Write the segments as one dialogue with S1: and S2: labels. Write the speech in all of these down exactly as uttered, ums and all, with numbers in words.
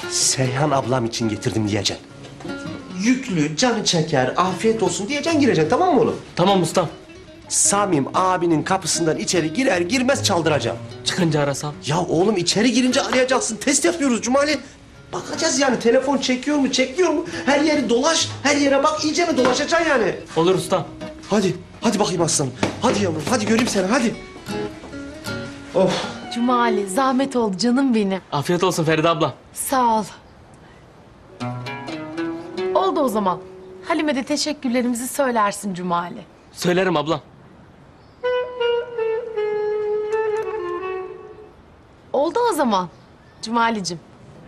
S1: Seyhan ablam için getirdim diyeceksin. Yüklü, canı çeker, afiyet olsun diyeceksin, gireceksin, tamam mı oğlum?
S2: Tamam ustam.
S1: Samim abinin kapısından içeri girer girmez çaldıracağım.
S2: Çıkınca arasam.
S1: Ya oğlum içeri girince arayacaksın. Test yapıyoruz Cumali. Bakacağız yani telefon çekiyor mu, çekmiyor mu? Her yeri dolaş, her yere bak, iyice mi dolaşacaksın yani?
S2: Olur ustam.
S1: Hadi, hadi bakayım aslanım. Hadi yavrum, hadi göreyim seni, hadi. Of.
S3: Cumali, zahmet oldu canım benim.
S2: Afiyet olsun Feride abla.
S3: Sağ ol. Oldu o zaman. Halime de teşekkürlerimizi söylersin Cumali.
S2: Söylerim ablam.
S3: Oldu o zaman Cumalicim.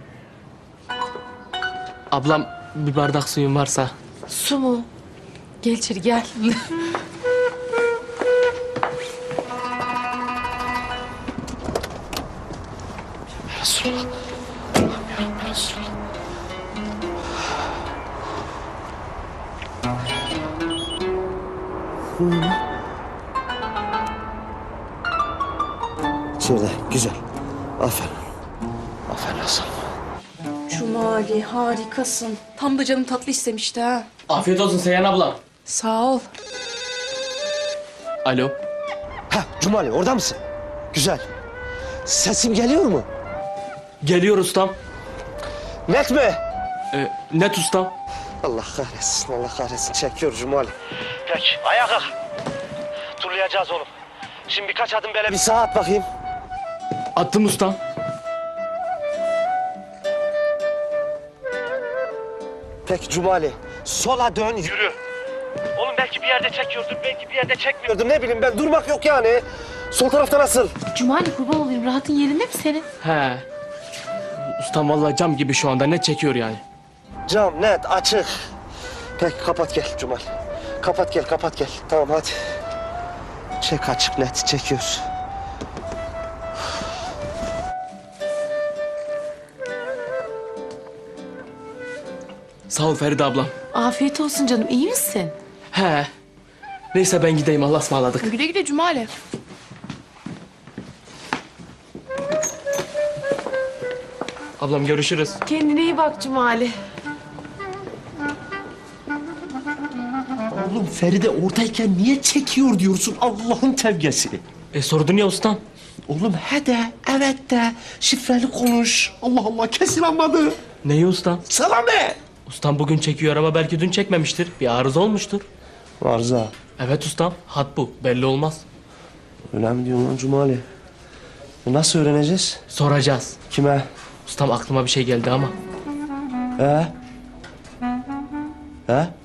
S2: Ablam bir bardak suyun varsa.
S3: Su mu? Gel içeri gel.
S1: Resulallah. Allah'ım ya Resulallah. Şöyle, güzel. Aferin. Aferin aslanım.
S4: Cumali harikasın. Tam da canım tatlı istemişti ha.
S2: Afiyet olsun Seyhan ablam.
S4: Sağ ol.
S2: Alo.
S1: Ha, Cumali orada mısın? Güzel. Sesim geliyor mu?
S2: Geliyor ustam.
S1: Net mi?
S2: Ee, net ustam.
S1: Allah kahretsin, Allah kahretsin. Çekiyor Cumali. Peki, ayağa kalk. Turlayacağız oğlum. Şimdi birkaç adım böyle bir sağa at bakayım.
S2: Attım ustam.
S1: Peki Cumali, sola dön, yürü. Oğlum belki bir yerde çekiyordun, belki bir yerde çekmiyordun. Ne bileyim ben, durmak yok yani. Sol tarafta nasıl?
S3: Cumali kurban olayım, rahatın yerinde mi senin?
S2: He. Ustam vallahi cam gibi şu anda net çekiyor yani.
S1: Cam net, açık. Peki kapat gel Cumali. Kapat gel, kapat gel. Tamam hadi. Çek açık net, çekiyor.
S2: Sağ ol Feride ablam.
S3: Afiyet olsun canım, iyi misin?
S2: He. Neyse ben gideyim, Allah'a ısmarladık.
S4: Güle güle Cumali.
S2: Ablam görüşürüz.
S3: Kendine iyi bak Cumali.
S1: Oğlum Feride oradayken niye çekiyor diyorsun Allah'ın tevgesi?
S2: E sordun ya ustam.
S1: Oğlum he de, evet de, şifreli konuş. Allah Allah kesin anladı.
S2: Neyi ustam?
S1: Sana ne?
S2: Ustam bugün çekiyor ama belki dün çekmemiştir. Bir arıza olmuştur.
S1: Arıza.
S2: Evet ustam, hat bu. Belli olmaz.
S1: Öyle mi diyorsun lan Cumali? E nasıl öğreneceğiz?
S2: Soracağız.
S1: Kime?
S2: Ustam aklıma bir şey geldi ama.
S1: He? He?